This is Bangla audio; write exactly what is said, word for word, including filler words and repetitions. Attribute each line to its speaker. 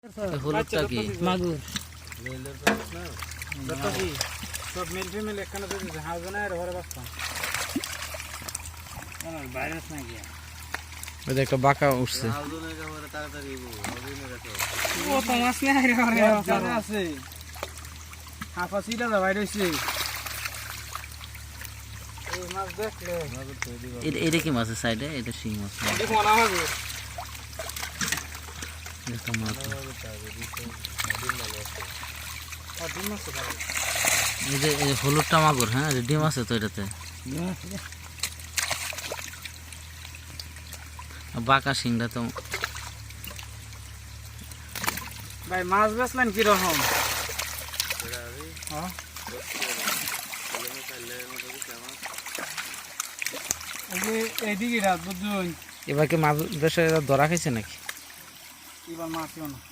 Speaker 1: হলুদটা কি
Speaker 2: মাগুর
Speaker 3: সব মেল ফিমেল একখানে তো হাউস না আর ঘরে বাঁচতাম ভাইরাস না গিয়া
Speaker 1: ওই যে একটা বাঁকা উঠছে
Speaker 3: ও তো মাছ না রে ঘরে আছে হাফা সিটা দা বাইরে হইছে এই মাছ দেখলে
Speaker 1: এটা এটা কি মাছের সাইডে এটা শিং মাছ
Speaker 3: দেখো না হবে
Speaker 1: এটা মাছ
Speaker 3: আর ডিম মাছ খাবে
Speaker 1: এই যে এই হলুদটা মাগুর হ্যাঁ এই যে ডিম আছে তো এটাতে বাঁকা শিংটা তো
Speaker 3: ভাই মাছ বেচলেন কি রকম হ্যাঁ এইদিকে রাত বুঝুন
Speaker 1: এবার কি মাছ দেশে ধরা খাইছে নাকি
Speaker 3: এবার মাছ না